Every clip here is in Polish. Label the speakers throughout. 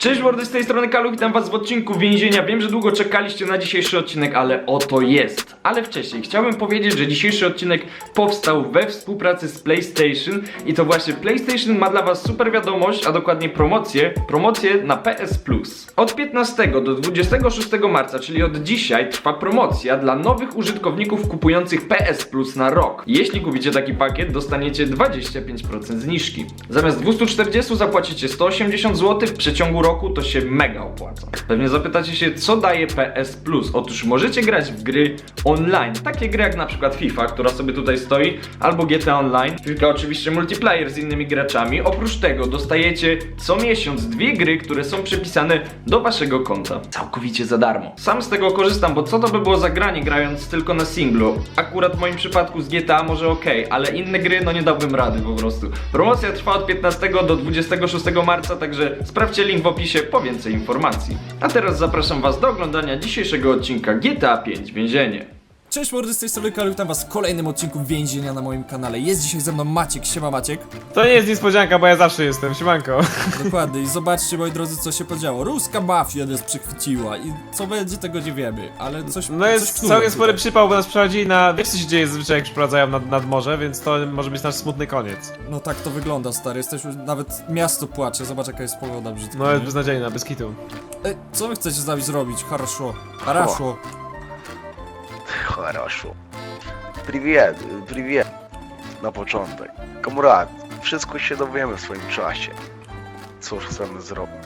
Speaker 1: Cześć mordy, z tej strony Kalu, witam was w odcinku Więzienia. Wiem, że długo czekaliście na dzisiejszy odcinek, ale oto jest. Ale wcześniej chciałbym powiedzieć, że dzisiejszy odcinek powstał we współpracy z PlayStation i to właśnie PlayStation ma dla was super wiadomość, a dokładnie promocję na PS Plus. Od 15 do 26 marca, czyli od dzisiaj, trwa promocja dla nowych użytkowników kupujących PS Plus na rok. Jeśli kupicie taki pakiet, dostaniecie 25% zniżki. Zamiast 240 zapłacicie 180 zł, w przeciągu roku to się mega opłaca. Pewnie zapytacie się, co daje PS Plus? Otóż możecie grać w gry online, takie gry jak na przykład FIFA, która sobie tutaj stoi, albo GTA Online, tylko oczywiście multiplayer z innymi graczami. Oprócz tego dostajecie co miesiąc dwie gry, które są przypisane do waszego konta, całkowicie za darmo. Sam z tego korzystam, bo co to by było za granie grając tylko na singlu? Akurat w moim przypadku z GTA może ok, ale inne gry no nie dałbym rady po prostu. Promocja trwa od 15 do 26 marca, także sprawdźcie link w opisie po więcej informacji. A teraz zapraszam was do oglądania dzisiejszego odcinka GTA 5 Więzienie.
Speaker 2: Cześć mordy, z tej strony Kalu, witam was w kolejnym odcinku Więzienia na moim kanale. Jest dzisiaj ze mną Maciek, siema Maciek.
Speaker 3: To nie jest niespodzianka, bo ja zawsze jestem, siemanko.
Speaker 2: Dokładnie, i zobaczcie moi drodzy, co się podziało. Ruska mafia nas przychwyciła i co będzie, tego nie wiemy, ale coś...
Speaker 3: No jest
Speaker 2: coś
Speaker 3: całkiem spory przypał, bo nas przechodzi na... Wiesz co się dzieje zazwyczaj jak przeprowadzają nad morze, więc to może być nasz smutny koniec.
Speaker 2: No tak to wygląda, stary, jesteśmy, nawet miasto płacze, zobacz jaka jest pogoda brzydka.
Speaker 3: No jest
Speaker 2: nie?
Speaker 3: beznadziejna, bez kitu.
Speaker 2: Ej, co wy chcecie z nami zrobić? Хорошо.
Speaker 4: Хорошо. Привет na początek. Kamrat, wszystko się dowiemy w swoim czasie. Cóż chcemy zrobić?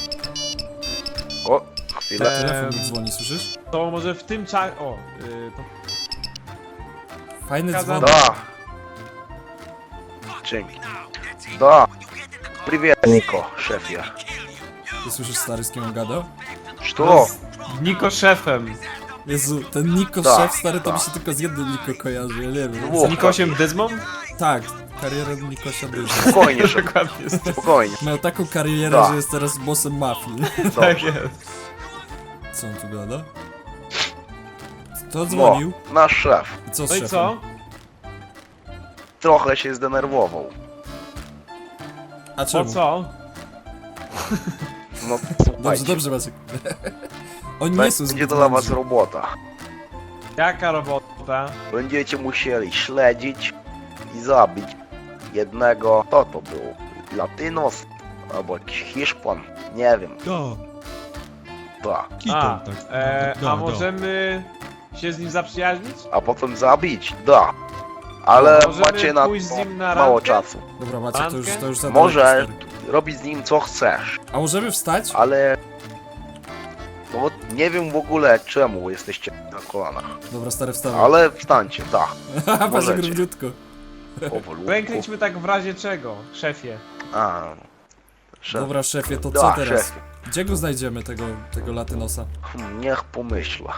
Speaker 4: O, chwilę.
Speaker 2: Telefon mi dzwoni, słyszysz?
Speaker 3: To może w tym czasie... O, to...
Speaker 2: Fajny
Speaker 3: Kazan-
Speaker 2: dzwon.
Speaker 4: Да. Dzięki. Да. Привет, Niko, szefie.
Speaker 2: Ty słyszysz, stary, z kim on gadał?
Speaker 4: Что?
Speaker 3: Niko szefem.
Speaker 2: Jezu, ten Niko
Speaker 4: Tak,
Speaker 2: szef, stary, to
Speaker 4: tak.
Speaker 2: mi się tylko z jednym Niko kojarzy, ja nie wiem.
Speaker 4: Ło.
Speaker 3: Z Nikosiem Dyzmą?
Speaker 2: Tak, kariera Nikosia Dyża.
Speaker 4: Spokojnie, szef,
Speaker 3: Dokładnie jest.
Speaker 4: spokojnie.
Speaker 2: Miał taką karierę,
Speaker 4: Tak.
Speaker 2: że jest teraz bossem mafii.
Speaker 3: Tak
Speaker 4: Dobrze.
Speaker 3: jest.
Speaker 2: Co on tu gada? Kto dzwonił?
Speaker 4: Nasz szef.
Speaker 2: I co z
Speaker 3: No i
Speaker 2: szefem?
Speaker 3: co?
Speaker 4: Trochę się zdenerwował.
Speaker 2: A
Speaker 3: Po
Speaker 2: czemu?
Speaker 3: co?
Speaker 4: No,
Speaker 2: Dobrze,
Speaker 4: słuchajcie.
Speaker 2: dobrze Maciek. Oni nie są
Speaker 4: Będzie
Speaker 2: zbyt
Speaker 4: to dla was
Speaker 2: mądrzy.
Speaker 4: robota.
Speaker 3: Jaka robota?
Speaker 4: Będziecie musieli śledzić i zabić jednego, kto to był? Latynos? Albo jakiś Hiszpan? Nie wiem. Tak.
Speaker 3: A, a możemy się z nim zaprzyjaźnić?
Speaker 4: A potem zabić? Da. Ale
Speaker 3: Możemy
Speaker 4: macie na
Speaker 3: pójść z nim na
Speaker 4: mało
Speaker 3: randkę?
Speaker 4: czasu.
Speaker 2: Dobra Maciek, to już za
Speaker 4: Może
Speaker 2: daleko, stary.
Speaker 4: robić z nim co chcesz,
Speaker 2: A możemy wstać?
Speaker 4: ale... No nie wiem w ogóle czemu jesteście na kolanach.
Speaker 2: Dobra, stary, wstawaj.
Speaker 4: Ale wstańcie, tak.
Speaker 2: Patrz
Speaker 4: możecie.
Speaker 2: równiutko.
Speaker 4: Powolutku.
Speaker 3: Ręknijmy tak w razie czego, szefie.
Speaker 4: A, szef.
Speaker 2: Dobra szefie, to
Speaker 4: Da,
Speaker 2: co teraz?
Speaker 4: szefie.
Speaker 2: Gdzie go znajdziemy, tego latynosa?
Speaker 4: Niech pomyśla.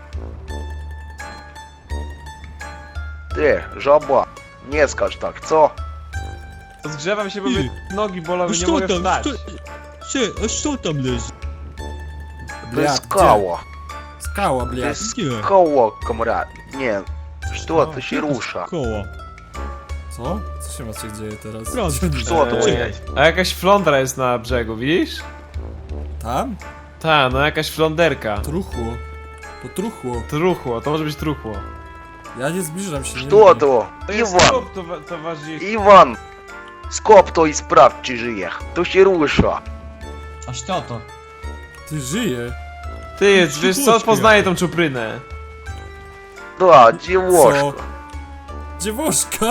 Speaker 4: Ty, żabła, nie skacz tak, co?
Speaker 3: Zgrzewam się, bo mnie nogi bolą i nie
Speaker 5: Co
Speaker 3: mogę
Speaker 5: tam?
Speaker 3: wstać.
Speaker 5: A co tam leży?
Speaker 4: To jest
Speaker 2: gdzie?
Speaker 4: skała.
Speaker 2: Skała,
Speaker 4: To
Speaker 2: blia.
Speaker 4: jest
Speaker 5: Nie.
Speaker 4: koło, komrad. Nie, co to się rusza?
Speaker 5: Koła.
Speaker 2: Co? Co się Maciek dzieje teraz?
Speaker 5: Proszę.
Speaker 4: Co to
Speaker 3: Eee.
Speaker 4: jest?
Speaker 3: A jakaś flądra jest na brzegu, widzisz?
Speaker 2: Tam?
Speaker 3: Ta, no jakaś fląderka.
Speaker 2: Truchło. To truchło.
Speaker 3: Truchło, to może być truchło.
Speaker 2: Ja nie zbliżam się, nie
Speaker 4: Co
Speaker 2: lubię.
Speaker 4: to?
Speaker 3: To jest
Speaker 4: Iwan,
Speaker 3: trup towarzystwa.
Speaker 4: Iwan! Skop to i sprawdź, czy żyje. To się rusza.
Speaker 5: A co to?
Speaker 2: Ty żyje.
Speaker 3: Ty, wiesz co,
Speaker 5: Ciepłuszki
Speaker 3: poznaję
Speaker 5: jakie.
Speaker 3: tą czuprynę.
Speaker 4: Da, dziewuszka.
Speaker 2: Dziewuszka!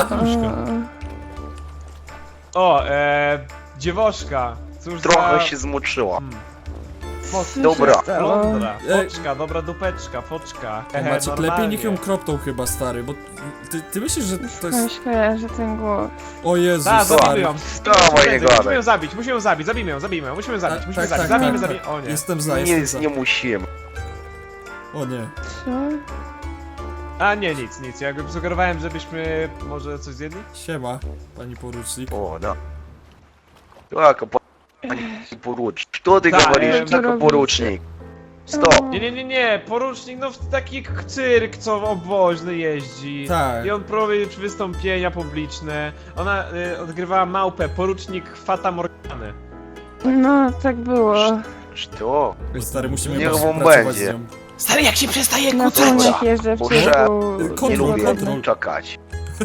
Speaker 3: O, dziewoszka. Cóż
Speaker 4: Trochę
Speaker 3: za...
Speaker 4: się zmoczyła.
Speaker 3: Foczka.
Speaker 4: Dobra.
Speaker 3: Flądra,
Speaker 2: Ej.
Speaker 3: foczka, dobra dupeczka, foczka.
Speaker 2: Maciek, lepiej
Speaker 3: normalnie.
Speaker 2: niech ją kropną chyba, stary, bo ty myślisz, że to jest...
Speaker 6: Myślę, że ten głos.
Speaker 2: O Jezus,
Speaker 3: Tak, zabijmy
Speaker 2: stary.
Speaker 3: ją.
Speaker 4: Dawaj, nie gadaj.
Speaker 3: Musimy ją zabić, musimy ją zabić, zabijmy ją, musimy ją zabić,
Speaker 2: Tak,
Speaker 3: musimy
Speaker 2: tak,
Speaker 3: zabić,
Speaker 2: tak,
Speaker 3: zabijmy,
Speaker 2: tak,
Speaker 3: zabijmy.
Speaker 2: tak.
Speaker 3: O nie.
Speaker 2: Jestem za,
Speaker 4: Nic nie
Speaker 2: jestem
Speaker 4: musimy.
Speaker 2: za. O nie.
Speaker 6: Co?
Speaker 3: A nie, nic, ja jakby sugerowałem, żebyśmy może coś zjedli?
Speaker 2: Siema, pani porucznik.
Speaker 4: O, да. Так, пани поручник. Что ты
Speaker 3: Да,
Speaker 4: говоришь,
Speaker 6: что
Speaker 4: так,
Speaker 6: робите?
Speaker 4: поручник? Stop!
Speaker 3: Nie, porucznik, no w taki cyrk, co obwoźny jeździ.
Speaker 2: Tak.
Speaker 3: I on prowadzi wystąpienia publiczne. Ona odgrywała małpę, porucznik Fata Morgany.
Speaker 6: No, tak było.
Speaker 4: Что?
Speaker 2: Ej, stary, musimy
Speaker 4: Niech
Speaker 2: chyba
Speaker 4: wam
Speaker 2: współpracować
Speaker 4: będzie.
Speaker 2: z nią.
Speaker 1: Stary, jak się przestaje
Speaker 6: Na
Speaker 1: kłócać?
Speaker 6: pełnych jeżdżę w
Speaker 4: Muszę-
Speaker 6: ciągu...
Speaker 4: Nie
Speaker 2: Kontrol,
Speaker 4: lubię
Speaker 2: kontrol.
Speaker 4: czekać.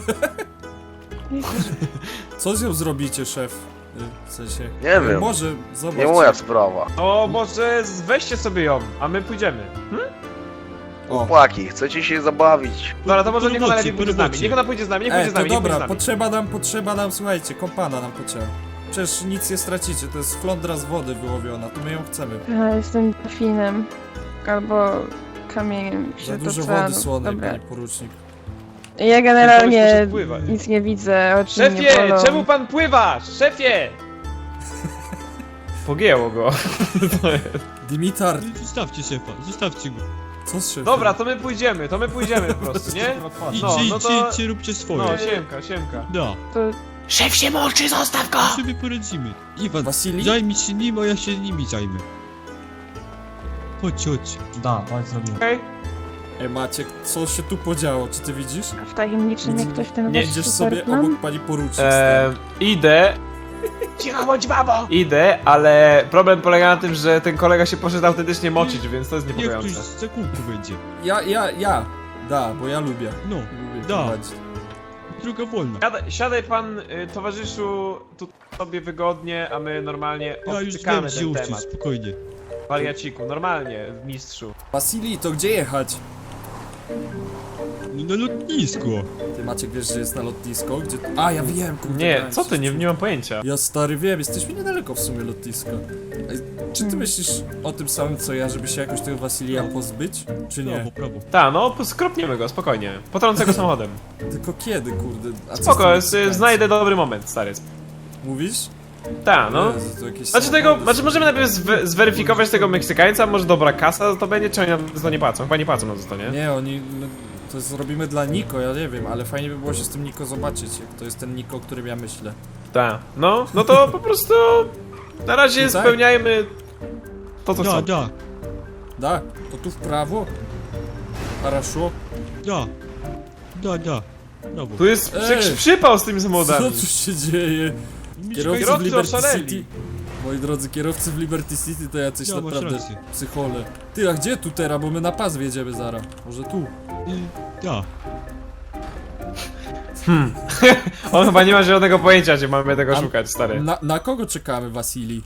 Speaker 2: Co z nią zrobicie, szef? W sensie...
Speaker 4: Nie wiem.
Speaker 2: Może, zobacz.
Speaker 4: Nie moja sprawa.
Speaker 3: To może weźcie sobie ją, a my pójdziemy.
Speaker 2: O.
Speaker 4: Chłopaki, chcecie się zabawić?
Speaker 3: Dobra, to może niech ona lepiej
Speaker 5: po
Speaker 3: pójdzie z nami.
Speaker 5: robocie.
Speaker 3: Niech ona pójdzie z nami, niech pójdzie
Speaker 2: Ej,
Speaker 3: z
Speaker 2: to
Speaker 3: nami, niech pójdzie z
Speaker 2: dobra,
Speaker 3: nami.
Speaker 2: potrzeba nam, słuchajcie, kompana nam potrzeba. Przecież nic nie stracicie, to jest flądra z wody wyłowiona, to my ją chcemy.
Speaker 6: Ja jestem delfinem. Albo kamieniem
Speaker 2: Za
Speaker 6: się
Speaker 2: dużo
Speaker 6: toczę.
Speaker 2: wody słonej,
Speaker 6: Dobra.
Speaker 2: panie porucznik.
Speaker 6: Ja generalnie
Speaker 3: Koleś poszedł pływać.
Speaker 6: nic nie widzę, oczy nie
Speaker 3: Szefie,
Speaker 6: bolą.
Speaker 3: czemu pan pływasz? Szefie! Pogięło go.
Speaker 2: Dimitar,
Speaker 5: Zostawcie szefa, zostawcie go.
Speaker 2: co z szefem?
Speaker 3: Dobra, to my pójdziemy po prostu, nie?
Speaker 5: Idźcie, róbcie swoje.
Speaker 3: No, siemka.
Speaker 5: Da,
Speaker 6: To
Speaker 1: Szef się mączy, zostaw go!
Speaker 5: my sobie poradzimy. Iwan,
Speaker 2: Wasili?
Speaker 5: zajmij się nim, a ja się nimi zajmę. Chodź.
Speaker 7: Da, tak zrobimy.
Speaker 3: Okej?
Speaker 2: Ej, Maciek, co się tu podziało, czy ty widzisz?
Speaker 6: w takim mnie ktoś ten
Speaker 3: Nie,
Speaker 6: wasz
Speaker 2: Idziesz sobie
Speaker 6: superplan?
Speaker 2: obok pani porucznik, stary.
Speaker 3: Idę,
Speaker 1: Cicho bądź, babo!
Speaker 3: ale problem polega na tym, że ten kolega się poszedł autentycznie moczyć, więc to jest
Speaker 5: Niech ktoś
Speaker 3: niepokojące.
Speaker 5: za kółko będzie.
Speaker 2: Ja. Da, bo ja lubię.
Speaker 5: No,
Speaker 2: Lubię
Speaker 5: da.
Speaker 2: prowadzić.
Speaker 5: droga wolna.
Speaker 3: Siadaj pan, towarzyszu, tu sobie wygodnie, a my normalnie
Speaker 5: Ja już wiem,
Speaker 3: odtykamy
Speaker 5: gdzie
Speaker 3: ten
Speaker 5: uczyć,
Speaker 3: temat.
Speaker 5: spokojnie.
Speaker 3: Wariaciku, normalnie, mistrzu.
Speaker 2: Wasili, to gdzie jechać?
Speaker 5: No na lotnisko.
Speaker 2: Ty, Maciek, wiesz, że jest na lotnisko? Gdzie... A, ja wiem, kurde.
Speaker 3: Nie,
Speaker 2: dałem
Speaker 3: co
Speaker 2: się
Speaker 3: ty, nie
Speaker 2: wczuć.
Speaker 3: mam pojęcia.
Speaker 2: Ja stary wiem, jesteśmy niedaleko w sumie lotniska. Ej, czy ty myślisz o tym samym co ja, żeby się jakoś tego Wasilia pozbyć? Czy nie?
Speaker 5: Prawo.
Speaker 3: No, skropniemy go, spokojnie. Potrącę go samochodem.
Speaker 2: Tylko kiedy, kurde? A co z
Speaker 3: Spoko,
Speaker 2: tym
Speaker 3: jest,
Speaker 2: Meksykańcem?
Speaker 3: znajdę dobry moment, stary.
Speaker 2: Mówisz?
Speaker 3: No.
Speaker 2: Jezu, to jakieś
Speaker 3: Znaczy
Speaker 2: samochody są.
Speaker 3: możemy najpierw zweryfikować tego Meksykańca, może dobra kasa to będzie, czy oni nam za to nie płacą? Chyba nie płacą nam za to, nie?
Speaker 2: Nie, oni... No, to zrobimy dla Niko, ja nie wiem, ale fajnie by było się z tym Niko zobaczyć, jak to jest ten Niko, o którym ja myślę.
Speaker 3: Tak. No to po prostu na razie
Speaker 2: No tak.
Speaker 3: spełniajmy to, co chcą.
Speaker 5: Da,
Speaker 2: Da, to tu w prawo? Хорошо.
Speaker 5: da. Brawo.
Speaker 3: Tu jest
Speaker 2: Ej!
Speaker 3: przypał z tymi
Speaker 2: Co
Speaker 3: samochodami.
Speaker 2: tu się dzieje? Kierowcy w
Speaker 3: Kierowcy
Speaker 2: Liberty
Speaker 3: oszaleli.
Speaker 2: City. Moi drodzy, kierowcy w Liberty City to jacyś
Speaker 5: Ja, masz
Speaker 2: naprawdę
Speaker 5: rację.
Speaker 2: psychole. Ty, a gdzie tu teraz? Bo my na pas wjedziemy zaraz. Może tu?
Speaker 5: Da.
Speaker 3: On chyba nie ma żadnego pojęcia, gdzie mamy tego
Speaker 2: A-
Speaker 3: szukać, stary.
Speaker 2: Na kogo czekamy, Wasili?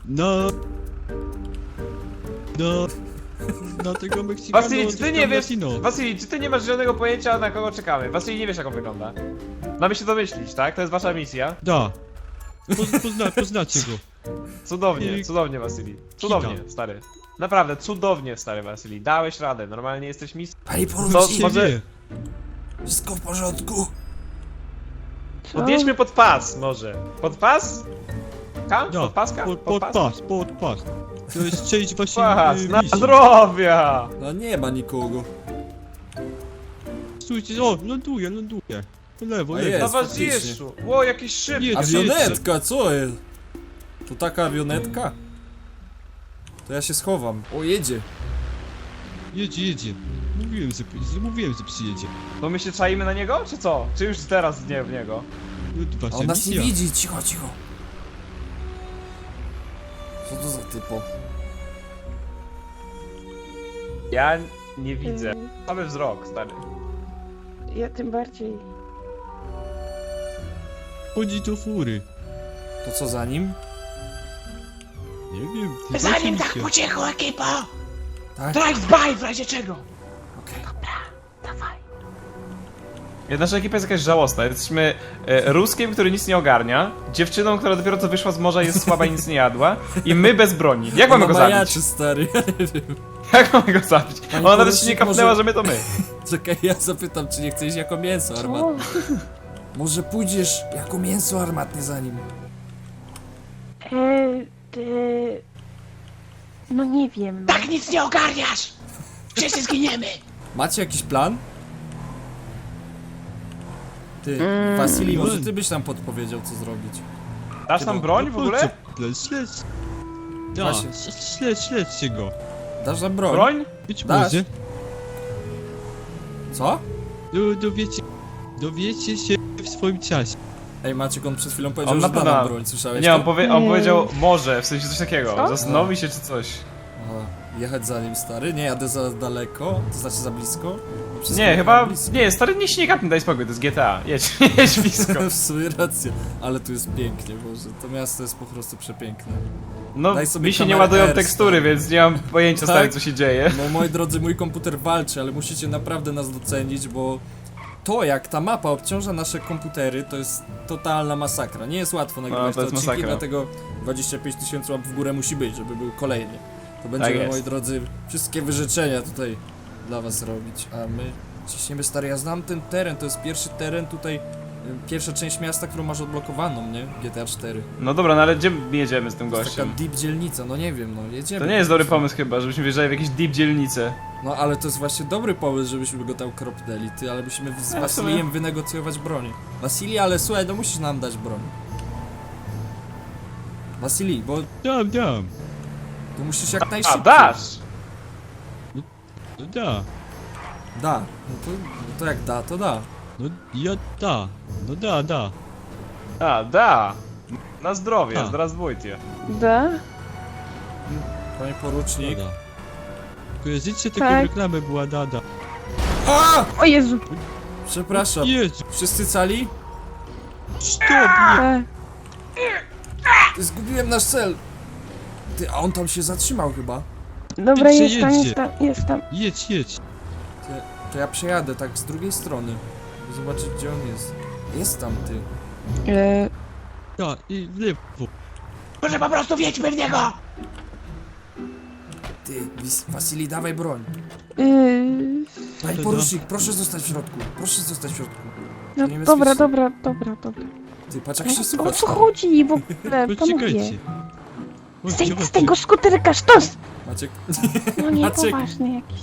Speaker 5: Na tego Meksykana.
Speaker 3: Wasili, czy ty nie wiesz?
Speaker 5: Latino.
Speaker 3: Wasili, czy ty nie masz żadnego pojęcia, na kogo czekamy? Wasili, nie wiesz, jak on wygląda. Mamy się domyślić, tak? To jest wasza misja.
Speaker 5: Da. Poznacie go.
Speaker 3: Cudownie, Wasili. Cudownie, stary. Naprawdę, cudownie, stary Wasili. Dałeś radę, normalnie jesteś mistrzem.
Speaker 2: Panie
Speaker 3: Co,
Speaker 2: porucznik,
Speaker 3: może
Speaker 5: Wie.
Speaker 2: wszystko w porządku?
Speaker 6: Co?
Speaker 3: podjedźmy pod pas, może. Pod pas? Ka?
Speaker 5: Da.
Speaker 3: Pod paska?
Speaker 5: Pod pas. To jest część waszej
Speaker 3: Pas, na
Speaker 5: misji.
Speaker 3: zdrowia!
Speaker 2: No nie ma nikogo.
Speaker 5: Słuchajcie, o, ląduje. Po lewo,
Speaker 2: A
Speaker 5: lewo.
Speaker 2: jest.
Speaker 3: Towarzyszu! Ło, jakiś szyb!
Speaker 5: Nie,
Speaker 2: Awionetka, co jest? To taka awionetka? To ja się schowam. O, jedzie.
Speaker 5: Jedzie. Mówiłem, że przyjedzie.
Speaker 3: To my się czaimy na niego, czy co? Czy już teraz nie w niego?
Speaker 5: No to
Speaker 2: A
Speaker 5: wasza
Speaker 2: on nas nie
Speaker 5: misja.
Speaker 2: widzi, cicho. Co to za typo?
Speaker 3: Ja nie widzę.
Speaker 6: Yy,
Speaker 3: Mamy wzrok, stary.
Speaker 6: Ja tym bardziej.
Speaker 5: Chodzi do fury.
Speaker 2: To co za nim?
Speaker 5: Nie wiem, to
Speaker 1: Za
Speaker 5: wasza
Speaker 1: nim tak
Speaker 5: misja.
Speaker 1: po cichu, ekipo!
Speaker 2: Tak?
Speaker 1: Drive-by w razie czego!
Speaker 2: Okej.
Speaker 6: Dawaj.
Speaker 3: Nasza ekipa jest jakaś żałosna. Jesteśmy Ruskiem, który nic nie ogarnia, dziewczyną, która dopiero co wyszła z morza, jest słaba i nic nie jadła, i my bez broni. Jak mamy go zabić?
Speaker 2: Majaczy, stary, ja nie wiem.
Speaker 3: Jak mamy go zabić?
Speaker 2: Pani
Speaker 3: Ona nawet się
Speaker 2: porucznik,
Speaker 3: nie kapnęła,
Speaker 2: może-
Speaker 3: że my to my.
Speaker 2: Czekaj, ja zapytam, czy nie chcesz jako mięso armatne. Może pójdziesz jako mięso armatne za nim.
Speaker 6: No nie wiem.
Speaker 1: Tak nic nie ogarniasz! Wszyscy zginiemy!
Speaker 2: Macie jakiś plan? Ty, Wasili, może ty byś nam podpowiedział, co zrobić.
Speaker 3: Dasz nam broń w ogóle?
Speaker 5: Śledź. Da,
Speaker 2: Właśnie.
Speaker 5: śledźcie go.
Speaker 2: Dasz nam broń?
Speaker 3: Broń?
Speaker 5: Być
Speaker 2: Dasz?
Speaker 5: może.
Speaker 2: Co?
Speaker 5: Dowiecie się w swoim czasie.
Speaker 2: Ej, Maciek, on przed chwilą powiedział,
Speaker 3: On
Speaker 2: że
Speaker 3: na
Speaker 2: da
Speaker 3: pewno...
Speaker 2: nam broń, słyszałeś
Speaker 3: Nie,
Speaker 2: to?
Speaker 3: on powiedział może, w sensie coś takiego.
Speaker 6: Co?
Speaker 3: Zastanowi się czy coś.
Speaker 2: Aha, jechać za nim, stary? Nie, jadę za daleko, to znaczy za blisko? Wszystko
Speaker 3: Nie,
Speaker 2: jechałem
Speaker 3: chyba...
Speaker 2: blisko.
Speaker 3: Nie, stary, nie śniegap, nie daj spokój, to jest GTA. Jedź, jedź blisko.
Speaker 2: W sumie rację, ale tu jest pięknie, Boże, to miasto jest po prostu przepiękne.
Speaker 3: No,
Speaker 2: Daj sobie
Speaker 3: mi się nie
Speaker 2: kamerę
Speaker 3: ładują
Speaker 2: R,
Speaker 3: tekstury,
Speaker 2: stary.
Speaker 3: więc nie mam pojęcia, stary,
Speaker 2: Tak?
Speaker 3: co się dzieje.
Speaker 2: No moi drodzy, mój komputer walczy, ale musicie naprawdę nas docenić, bo to jak ta mapa obciąża nasze komputery, to jest totalna masakra. Nie jest łatwo nagrywać
Speaker 3: to
Speaker 2: te
Speaker 3: jest
Speaker 2: odcinki,
Speaker 3: masakra.
Speaker 2: dlatego 25 000 łap w górę musi być, żeby był kolejny. To będziemy,
Speaker 3: jest.
Speaker 2: moi drodzy, wszystkie wyrzeczenia tutaj dla was robić, a my ciśniemy, stary, ja znam ten teren, to jest pierwszy teren tutaj, pierwsza część miasta, którą masz odblokowaną, nie? GTA 4.
Speaker 3: No dobra, no ale gdzie jedziemy z tym
Speaker 2: To jest taka
Speaker 3: gościem?
Speaker 2: deep dzielnica, no nie wiem, no jedziemy.
Speaker 3: To nie jest dobry pomysł chyba, żebyśmy wjeżdżali w jakieś deep dzielnice.
Speaker 2: No ale to jest właśnie dobry pomysł, żebyśmy go tam kropnęli, ty, ale musimy z
Speaker 3: Ja
Speaker 2: Wasilijem wynegocjować broń. Wasili, ale słuchaj, no musisz nam dać broń. Wasili, bo
Speaker 5: Dam.
Speaker 2: to musisz jak
Speaker 3: A,
Speaker 2: najszybciej.
Speaker 3: dasz!
Speaker 5: No da.
Speaker 2: Da. No to jak da, to da.
Speaker 5: No ja da. No da.
Speaker 3: A, da! Na zdrowie,
Speaker 5: A.
Speaker 3: zdrawствуйте.
Speaker 6: Da?
Speaker 2: Panie porucznik.
Speaker 5: Da. Kojarzycie taką
Speaker 6: Tak.
Speaker 5: reklamę była da.
Speaker 2: A!
Speaker 6: O Jezu!
Speaker 2: Przepraszam.
Speaker 5: Jezu,
Speaker 2: Wszyscy cali?
Speaker 5: stop!
Speaker 6: Tak.
Speaker 2: Zgubiłem nasz cel. Ty, a on tam się zatrzymał chyba.
Speaker 6: Dobra,
Speaker 5: Jedźcie,
Speaker 6: jest tam,
Speaker 5: jedźcie.
Speaker 6: jest tam, jest tam.
Speaker 5: Jedź.
Speaker 2: Ty, to ja przejadę tak z drugiej strony. Żeby zobaczyć, gdzie on jest. Jest tam, ty.
Speaker 5: Da, i w lewo.
Speaker 3: Może po prostu wjedźmy w niego!
Speaker 2: Ty, Wasili, dawaj broń. Panie
Speaker 5: To
Speaker 2: porucznik, proszę zostać w środku. Proszę zostać w środku.
Speaker 6: No,
Speaker 2: Nie
Speaker 6: dobra,
Speaker 2: bezpiecznie.
Speaker 6: dobra.
Speaker 2: Ty, patrz jak się
Speaker 6: O
Speaker 2: słucha.
Speaker 6: co chodzi w ogóle, panowie?
Speaker 5: Poczekajcie.
Speaker 6: Zejdź z tego skuterka, sztos!
Speaker 2: Maciek,
Speaker 6: No nie,
Speaker 2: Maciek.
Speaker 6: poważny jakiś.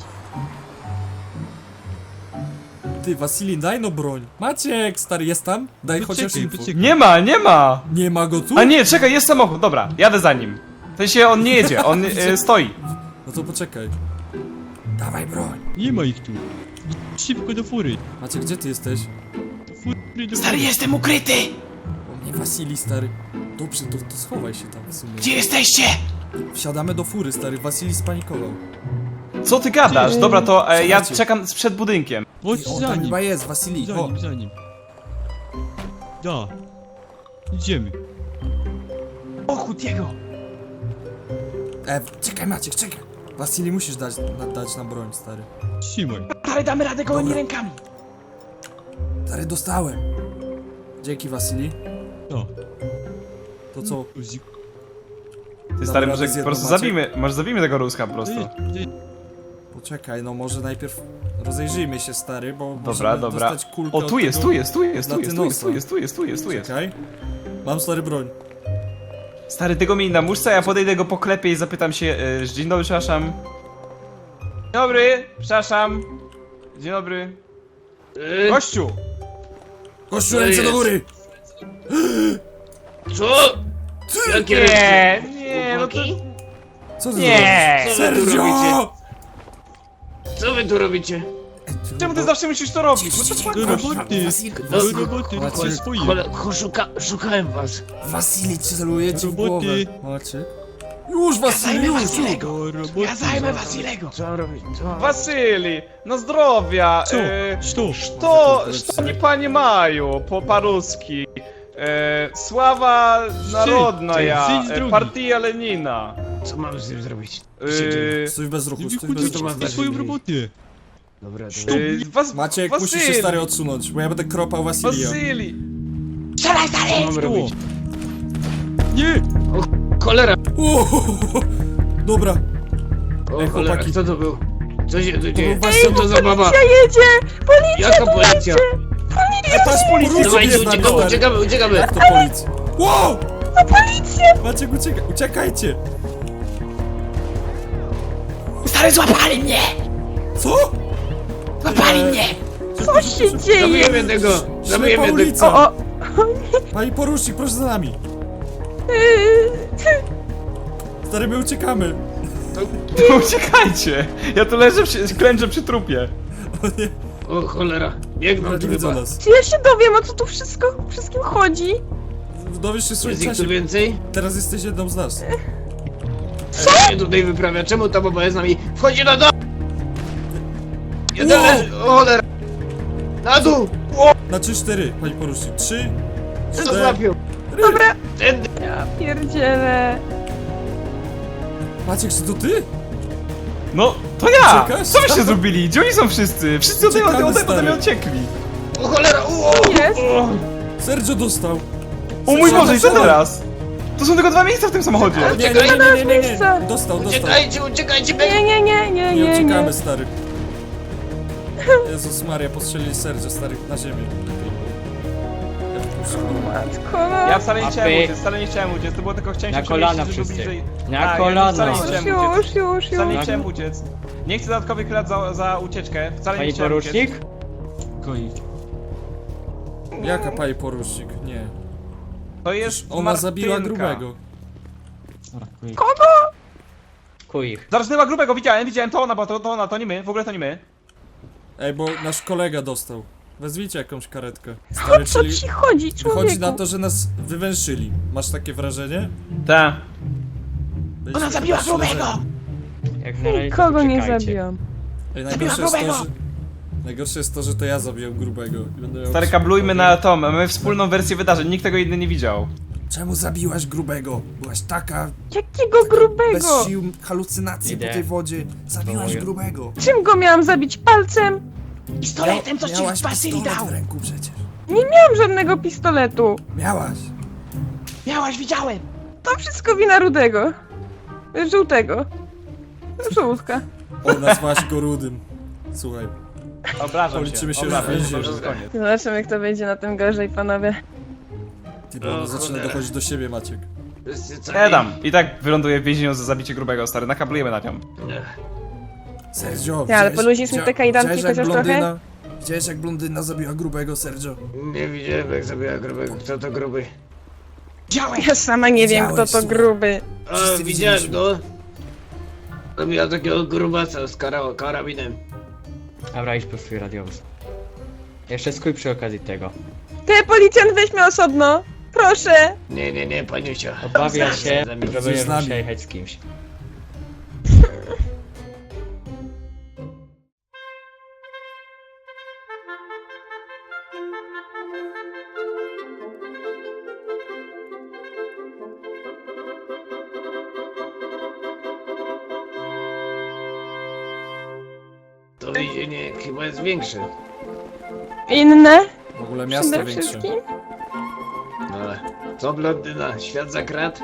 Speaker 2: ty, Wasili, daj no broń. Maciek, stary, jest tam? Daj chociaż
Speaker 5: Poczekaj,
Speaker 2: info.
Speaker 5: poczekaj.
Speaker 3: Nie ma!
Speaker 2: Nie ma go tu?
Speaker 3: A nie, czekaj, jest samochód, dobra, jadę za nim. W sensie on nie jedzie, on stoi.
Speaker 2: No to poczekaj. Dawaj broń.
Speaker 5: Nie ma ich tu. Szybko do fury.
Speaker 2: Maciek, gdzie ty jesteś?
Speaker 5: Do fury, do fury.
Speaker 3: jestem ukryty!
Speaker 2: O nie, Wasili, stary. Dobrze, to schowaj się tam w sumie.
Speaker 3: Gdzie jesteście?
Speaker 2: Wsiadamy do fury, stary. Wasili spanikował.
Speaker 3: Co ty gadasz? Dobra, to ja
Speaker 2: Słuchajcie.
Speaker 3: czekam przed budynkiem.
Speaker 5: Chodź
Speaker 2: Ty, on
Speaker 5: za
Speaker 2: tam
Speaker 5: nim.
Speaker 2: chyba jest, Wasili. O,
Speaker 5: Za nim. Da. Idziemy.
Speaker 3: Ochód jego!
Speaker 2: czekaj, Maciek, czekaj. Wasili, musisz dać nam broń, stary.
Speaker 5: Trzymaj.
Speaker 3: Ale damy radę gołymi
Speaker 2: Dobra.
Speaker 3: rękami.
Speaker 2: Stary, dostałem. Dzięki, Wasili.
Speaker 5: Da.
Speaker 2: To co?
Speaker 3: Ty stary,
Speaker 2: radę
Speaker 3: może
Speaker 2: z
Speaker 3: po
Speaker 2: jedną,
Speaker 3: prostu
Speaker 2: Maciek?
Speaker 3: może zabijmy tego Ruska po prostu.
Speaker 2: Poczekaj, no może najpierw rozejrzyjmy się, stary, bo
Speaker 3: Dobra,
Speaker 2: musimy
Speaker 3: dobra.
Speaker 2: dostać kulkę
Speaker 3: O,
Speaker 2: od
Speaker 3: tu jest,
Speaker 2: tego
Speaker 3: tu jest.
Speaker 2: Latynosa. Czekaj. Mam, stary, broń.
Speaker 3: Stary, tego mi na muszce, ja podejdę go poklepię i zapytam się, dzień dobry, przepraszam. Dzień dobry, przepraszam. Dzień dobry. Gościu!
Speaker 2: Kościół, ręce do góry!
Speaker 7: Co? Jakie
Speaker 3: Nie, no to...
Speaker 2: Co ty
Speaker 3: Nie!
Speaker 2: zrobisz?
Speaker 7: Co wy tu robicie?
Speaker 2: Sergio!
Speaker 7: Co wy tu robicie?
Speaker 3: Czemu ty zawsze musisz to robić? No to
Speaker 5: Do roboty.
Speaker 2: Wasil-
Speaker 5: Do
Speaker 2: Wasil-
Speaker 5: roboty.
Speaker 2: Maciek,
Speaker 5: To jest swoje.
Speaker 7: Szukałem was.
Speaker 2: Wasili celuje ci w
Speaker 5: Roboty.
Speaker 2: głowę. Maciek. Już, Wasili, już!
Speaker 5: Do roboty.
Speaker 3: Ja zajmę Wasilego!
Speaker 7: Co robić? Co?
Speaker 3: Wasyli, no zdrowia!
Speaker 5: Co? Co?
Speaker 3: Что они понимаю по-русски? Sława narodная,
Speaker 5: Zejdź z drogi.
Speaker 3: partia Lenina.
Speaker 7: Co mam z tym zrobić?
Speaker 2: Stój bez ruchu,
Speaker 5: Nie
Speaker 2: stój bez
Speaker 5: wychodzić
Speaker 2: ruchu.
Speaker 5: na swoją robotę.
Speaker 7: Dobra, dobra.
Speaker 2: Maciek, musisz się, stary, odsunąć, bo ja będę kropał Wasilia.
Speaker 3: Wasyli!
Speaker 7: Co mam robić?
Speaker 5: Nie!
Speaker 7: Cholera!
Speaker 2: Dobra,
Speaker 7: O
Speaker 2: Ej,
Speaker 7: cholera,
Speaker 2: chłopaki.
Speaker 7: kto to był? Co się tu
Speaker 2: to
Speaker 7: dzieje?
Speaker 2: był Wasil.
Speaker 7: Co to za baba?
Speaker 6: Jedzie! Policja!
Speaker 7: Jaka policja?
Speaker 2: Patrz, policja
Speaker 7: Dawajcie,
Speaker 2: jest na
Speaker 7: uciekamy,
Speaker 2: stary.
Speaker 7: uciekamy, uciekamy!
Speaker 2: Jak to policja? Wow! Na policję! Maciek, uciekajcie!
Speaker 3: Stary, złapali mnie!
Speaker 2: Co?
Speaker 3: Złapali mnie!
Speaker 6: Co się dzieje?
Speaker 7: Zabijemy tego!
Speaker 2: Ślepa
Speaker 7: Zabijemy tego!
Speaker 2: ulica!
Speaker 6: O,
Speaker 2: Pani porucznik, proszę za nami! Stary, my uciekamy!
Speaker 3: Uciekajcie! Ja tu leżę, klęczę przy trupie.
Speaker 2: O nie,
Speaker 7: O cholera, biegną
Speaker 2: Ale
Speaker 7: tu
Speaker 2: nie widzą
Speaker 7: chyba.
Speaker 2: nas.
Speaker 6: Czy ja się dowiem, o co tu wszystkim chodzi?
Speaker 2: Dowiesz się w swoim
Speaker 7: Jest ich tu
Speaker 2: czasie.
Speaker 7: więcej?
Speaker 2: Teraz jesteś jedną z nas.
Speaker 7: Co się tutaj wyprawia? Czemu ta baba jest z nami? Wchodzi na dół! Jeden
Speaker 2: Wow.
Speaker 7: leży, o cholera! Na dół!
Speaker 2: Na 3-4, pani porucznik. 3,
Speaker 7: Co
Speaker 2: 4.
Speaker 7: złapią?
Speaker 6: Dobra.
Speaker 7: Tędy!
Speaker 6: Ja pierdzielę.
Speaker 2: Maciek, czy to ty?
Speaker 3: No, to ja!
Speaker 2: Uciekasz?
Speaker 3: Co byście zrobili? Gdzie oni są wszyscy? Wszyscy
Speaker 2: Uciekamy,
Speaker 3: ode
Speaker 2: stary.
Speaker 3: mnie uciekli.
Speaker 7: O cholera!
Speaker 6: Jest?
Speaker 2: Sergio dostał.
Speaker 3: O mój Boże, i co
Speaker 2: Dostał.
Speaker 3: teraz? To są tylko 2 miejsca w tym samochodzie.
Speaker 2: Nie.
Speaker 6: miejsca.
Speaker 2: Dostał.
Speaker 7: Uciekajcie, uciekajcie!
Speaker 2: Nie
Speaker 6: Nie.
Speaker 2: uciekamy, stary. Jezus Maria, postrzelili Sergio, stary, na ziemię. Ja wypuszczam.
Speaker 6: Matko, no.
Speaker 3: Ja wcale nie chciałem
Speaker 8: Apy.
Speaker 3: uciec, wcale nie chciałem uciec, to było tylko chciałem
Speaker 8: Na
Speaker 3: się
Speaker 8: kolana
Speaker 3: przemieścić, żeby
Speaker 8: wszyscy.
Speaker 3: bliżej...
Speaker 8: Na
Speaker 3: Tak,
Speaker 8: kolana.
Speaker 3: Ja wcale nie chciałem uciec.
Speaker 6: Już.
Speaker 3: Wcale nie chciałem uciec. Nie chcę dodatkowych lat za ucieczkę, wcale nie
Speaker 8: Panie
Speaker 3: chciałem
Speaker 8: porucznik?
Speaker 3: uciec.
Speaker 5: Koi.
Speaker 2: Jaka pani porucznik? Nie.
Speaker 3: To jest
Speaker 2: Ona zabiła
Speaker 3: Martynka.
Speaker 2: grubego.
Speaker 5: Dobra, koi.
Speaker 8: Kuj ich.
Speaker 3: Zarżnęła grubego, widziałem, to ona, bo to ona, to nie my, w ogóle to nie my.
Speaker 2: Ej, bo nasz kolega dostał. Wezwijcie jakąś karetkę. Stary,
Speaker 6: O co ci chodzi, człowieku?
Speaker 2: wychodzi na to, że nas wywęszyli. Masz takie wrażenie?
Speaker 3: Tak.
Speaker 2: Ona zabiła grubego!
Speaker 8: Jak na razie to
Speaker 6: Kogo nie
Speaker 8: poczekajcie.
Speaker 6: zabiłam?
Speaker 2: Ej, najgorsze jest to, że to ja zabiłem grubego. I będę miał
Speaker 3: Stary, kablujmy na Tom, mamy wspólną wersję wydarzeń, nikt tego inny nie widział.
Speaker 2: Czemu zabiłaś grubego? Byłaś taka
Speaker 6: Jakiego grubego?
Speaker 2: bez sił, halucynacje
Speaker 8: Idę.
Speaker 2: po tej wodzie. Zabiłaś
Speaker 8: Wołuję.
Speaker 2: grubego.
Speaker 6: Czym go miałam zabić? Palcem?
Speaker 2: Pistoletem, co ci Basili dał? W ręku przecież.
Speaker 6: Nie miałam żadnego pistoletu.
Speaker 2: Miałaś.
Speaker 6: To wszystko wina Rudego. Żółtego. Żółtka.
Speaker 2: O, nazwałaś go rudym. Słuchaj.
Speaker 3: Obrażam
Speaker 2: Policzymy się
Speaker 3: obrażam
Speaker 2: już
Speaker 3: się,
Speaker 2: w
Speaker 3: to już koniec.
Speaker 6: Zobaczymy, jak to będzie na tym gorzej, panowie.
Speaker 2: Ty, bo ona zaczyna dochodzić do siebie, Maciek.
Speaker 7: Wszyscy cali?
Speaker 3: Nie dam, i tak wyląduję w więzieniu za zabicie grubego, stary, nakablujemy na nią.
Speaker 2: Sergio,
Speaker 6: Ja, ale poluźnisz mi te kajdanki
Speaker 2: widziałeś, jak
Speaker 6: chociaż trochę?
Speaker 2: Widziałeś, jak blondyna zabiła grubego, Sergio?
Speaker 7: Nie widziałem jak zabiła grubego. Kto to gruby?
Speaker 6: Ja sama nie wiem, kto
Speaker 2: Widziałeś,
Speaker 6: to
Speaker 2: słuchaj.
Speaker 6: gruby.
Speaker 7: A,
Speaker 2: Wszyscy
Speaker 7: widziałem
Speaker 2: widzieliśmy.
Speaker 7: go. Zabiła takiego grubasa z karabinem.
Speaker 8: Dobra, idź po swój radiowóz. Jeszcze skuj przy okazji tego.
Speaker 6: Ty, policjant, weź mnie osobno. Proszę.
Speaker 7: Nie, paniusia.
Speaker 8: Obawia się, że
Speaker 2: Jesteś z
Speaker 8: będziesz
Speaker 2: nami.
Speaker 8: musiał jechać z kimś.
Speaker 7: To więzienie chyba jest większe.
Speaker 6: Inne?
Speaker 2: W ogóle miasto
Speaker 6: Przede
Speaker 2: większe.
Speaker 6: wszystkim?
Speaker 7: Ale co blondyna? Świat za krat?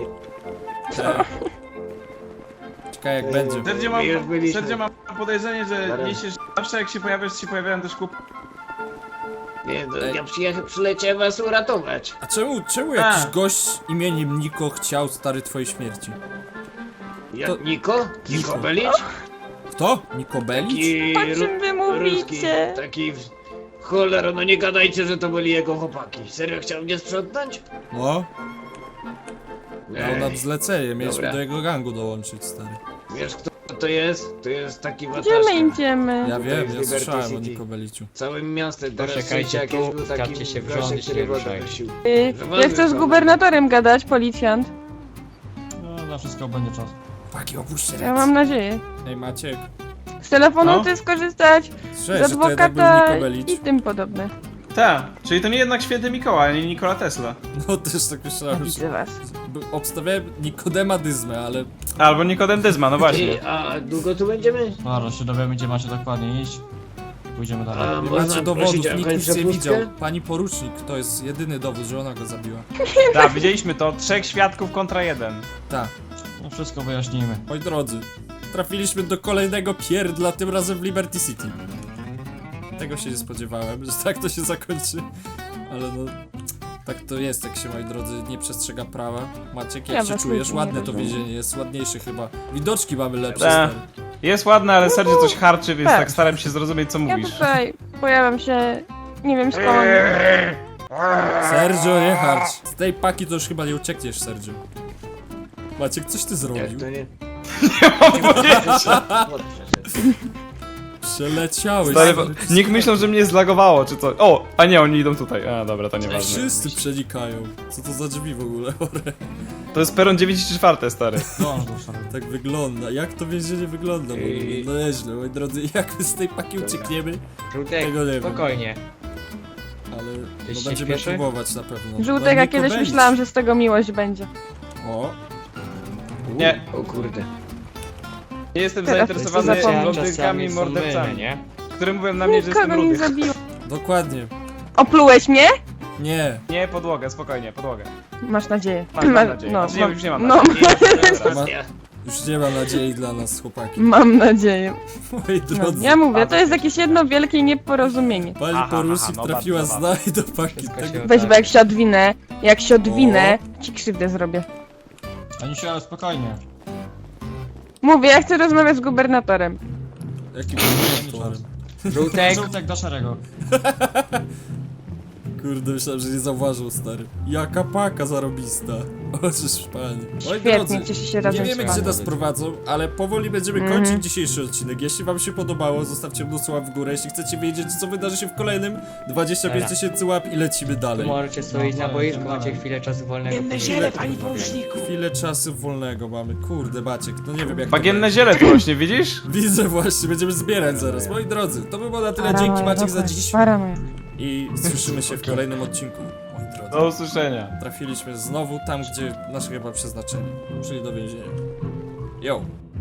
Speaker 2: Czekaj, jak będzie.
Speaker 3: Sergio
Speaker 7: Już byliśmy.
Speaker 3: mam podejrzenie, że
Speaker 7: Zaraz.
Speaker 3: niesiesz zawsze jak się pojawiasz, się pojawiają też kup...
Speaker 7: Nie, to ja przyleciałem was uratować.
Speaker 2: A czemu jakiś gość imieniem Niko chciał, stary, twojej śmierci? To-
Speaker 7: Niko? Niko Belicz?
Speaker 2: Kto? Niko Bellicz?
Speaker 7: Taki
Speaker 6: O czym wy mówicie?
Speaker 7: taki... Cholera, no nie gadajcie, że to byli jego chłopaki. Serio chciał mnie sprzątnąć?
Speaker 2: No, dał nam
Speaker 7: Ej,
Speaker 2: zlecenie, mieliśmy
Speaker 7: Dobra.
Speaker 2: do jego gangu dołączyć, stary.
Speaker 7: wiesz kto to jest? To jest taki
Speaker 6: Gdzie
Speaker 7: wataszka.
Speaker 6: my idziemy?
Speaker 2: Ja
Speaker 7: Tutaj
Speaker 2: wiem,
Speaker 7: w
Speaker 2: ja
Speaker 7: Liberty
Speaker 2: słyszałem o
Speaker 7: City.
Speaker 2: Niko Belliczu.
Speaker 7: Całym miastem teraz
Speaker 8: Poczekajcie
Speaker 7: sąsiad
Speaker 8: tu,
Speaker 7: jakiś był taki
Speaker 8: wstawcie się w
Speaker 7: gościem,
Speaker 8: rząd i
Speaker 7: który
Speaker 8: się
Speaker 7: wodę
Speaker 8: ruszajcie.
Speaker 7: nosił.
Speaker 6: Ja chcę z gubernatorem gadać, policjant.
Speaker 5: No, na wszystko będzie czas.
Speaker 2: Chłopaki, opuśćcie
Speaker 6: Ja mam nadzieję.
Speaker 2: Ej, Maciek.
Speaker 6: Z telefonu
Speaker 3: No.
Speaker 6: ty skorzystać,
Speaker 2: Słyszałeś,
Speaker 6: z
Speaker 2: że to jednak był
Speaker 6: adwokata
Speaker 2: Niko Bellicz?
Speaker 6: i tym podobne.
Speaker 3: Tak, czyli to nie jednak święty Mikołaj, a nie Nikola Tesla.
Speaker 2: No, też tak myślałem,
Speaker 6: Widzę
Speaker 2: że...
Speaker 6: was.
Speaker 2: Obstawiałem Nikodema Dyzmę, ale...
Speaker 3: Albo Nikodem Dyzma, no właśnie.
Speaker 7: A długo tu będziemy?
Speaker 5: Dobra, się dowiemy, gdzie macie dokładnie iść. Pójdziemy dalej.
Speaker 7: A
Speaker 2: Nie
Speaker 7: można
Speaker 2: macie dowodów,
Speaker 7: prosić o
Speaker 2: nikt
Speaker 7: jakąś
Speaker 2: nic nie
Speaker 7: przepustkę?
Speaker 2: widział. Pani porucznik, to jest jedyny dowód, że ona go zabiła.
Speaker 3: Tak, widzieliśmy to, 3 świadków kontra 1.
Speaker 2: Tak.
Speaker 5: No wszystko wyjaśnimy.
Speaker 2: Moi drodzy, trafiliśmy do kolejnego pierdla, tym razem w Liberty City. Tego się nie spodziewałem, że tak to się zakończy. Ale no, tak to jest, jak się, moi drodzy, nie przestrzega prawa. Maciek, jak
Speaker 6: Ja
Speaker 2: się
Speaker 6: was
Speaker 2: czujesz?
Speaker 6: nie
Speaker 2: Ładne to
Speaker 6: rozumiem.
Speaker 2: więzienie, jest ładniejsze chyba. Widoczki mamy lepsze,
Speaker 3: Tak.
Speaker 2: stary.
Speaker 3: Jest ładne, ale Sergio coś harczy, więc
Speaker 6: tak.
Speaker 3: tak staram się zrozumieć, co
Speaker 6: Ja
Speaker 3: mówisz.
Speaker 6: tutaj pojawiam się, nie wiem skąd.
Speaker 2: Sergio, nie harcz. Z tej paki to już chyba nie uciekniesz, Sergio. Maciek, coś ty
Speaker 7: Jak
Speaker 2: zrobił?
Speaker 7: to nie?
Speaker 2: Przeleciały.
Speaker 3: Stary, nikt myślał, że mnie zlagowało, czy co? O! A nie, oni idą tutaj. A, dobra, to nieważne.
Speaker 2: Wszyscy przenikają. Co to za drzwi w ogóle?
Speaker 3: To jest peron 9,4, stary.
Speaker 2: Tak wygląda. Jak to więzienie wygląda? No nieźle, moi drodzy. Jak my z tej paki uciekniemy?
Speaker 8: Żółtek,
Speaker 2: Tego nie wiem.
Speaker 8: spokojnie.
Speaker 2: Ale
Speaker 8: Tyś
Speaker 2: no
Speaker 8: się
Speaker 2: będziemy
Speaker 8: śpieszy?
Speaker 2: próbować na pewno.
Speaker 6: Żółtek, a kiedyś myślałam, że z tego miłość będzie.
Speaker 2: O,
Speaker 3: Nie,
Speaker 7: O kurde.
Speaker 3: nie jestem
Speaker 6: Teraz
Speaker 3: zainteresowany
Speaker 6: to zapomnę.
Speaker 3: blondynkami,
Speaker 8: są
Speaker 3: mordercami,
Speaker 8: mylne, nie?
Speaker 3: które mówią na mnie, że jestem
Speaker 6: Nikogo nie
Speaker 3: rudy.
Speaker 6: zabiło.
Speaker 2: dokładnie.
Speaker 6: Oplułeś mnie?
Speaker 2: Nie.
Speaker 3: Nie, podłogę, spokojnie, podłogę.
Speaker 6: Masz nadzieję.
Speaker 3: Mam nadzieję.
Speaker 6: No,
Speaker 3: Znaczy, nie, już nie mam
Speaker 6: no,
Speaker 3: nadziei.
Speaker 2: Ma, już nie ma nadziei dla nas, chłopaki.
Speaker 6: mam nadzieję.
Speaker 2: Moi
Speaker 6: No,
Speaker 2: drodzy.
Speaker 6: ja mówię, to jest jakieś jedno wielkie nieporozumienie.
Speaker 2: Pani
Speaker 3: Aha,
Speaker 2: Porusik
Speaker 3: aha, no
Speaker 2: trafiła
Speaker 3: bardzo
Speaker 2: z nami do paki.
Speaker 8: Wszystko
Speaker 2: Tak,
Speaker 8: się
Speaker 6: Weź,
Speaker 8: uda.
Speaker 6: bo jak się odwinę, ci krzywdę zrobię.
Speaker 5: Anisiu, ale spokojnie.
Speaker 6: Mówię, ja chcę rozmawiać z gubernatorem.
Speaker 2: jakim motorem.
Speaker 8: Żółtek,
Speaker 5: Żółtek do szeregu.
Speaker 2: Kurde, myślałem, że nie zauważył, stary. Jaka paka zarobista. Oczyż panie. Moi
Speaker 6: Świetnie,
Speaker 2: drodzy,
Speaker 6: cieszę się
Speaker 2: nie
Speaker 6: razem z
Speaker 2: wiemy,
Speaker 6: wami.
Speaker 2: gdzie nas prowadzą, ale powoli będziemy
Speaker 6: Mhm.
Speaker 2: kończyć dzisiejszy odcinek. Jeśli wam się podobało, zostawcie mnóstwo łap w górę. Jeśli chcecie wiedzieć, co wydarzy się w kolejnym, 25
Speaker 8: Dobra.
Speaker 2: 000 łap i lecimy dalej.
Speaker 8: możecie stoić na boisku, macie chwilę czasu wolnego.
Speaker 2: Chwilę czasu wolnego mamy. Kurde, Maciek, no nie wiem jak to
Speaker 3: Bagienne
Speaker 2: będzie.
Speaker 3: ziele tu rośnie, widzisz?
Speaker 2: Widzę właśnie, będziemy zbierać zaraz. Moi drodzy, to by było na tyle. Dzięki Maciek za dziś.
Speaker 6: Para moja.
Speaker 2: I słyszymy się w kolejnym odcinku. Moi drodzy.
Speaker 3: Do usłyszenia.
Speaker 2: Trafiliśmy znowu tam, gdzie nasze chyba przeznaczenie, czyli do więzienia. Yo!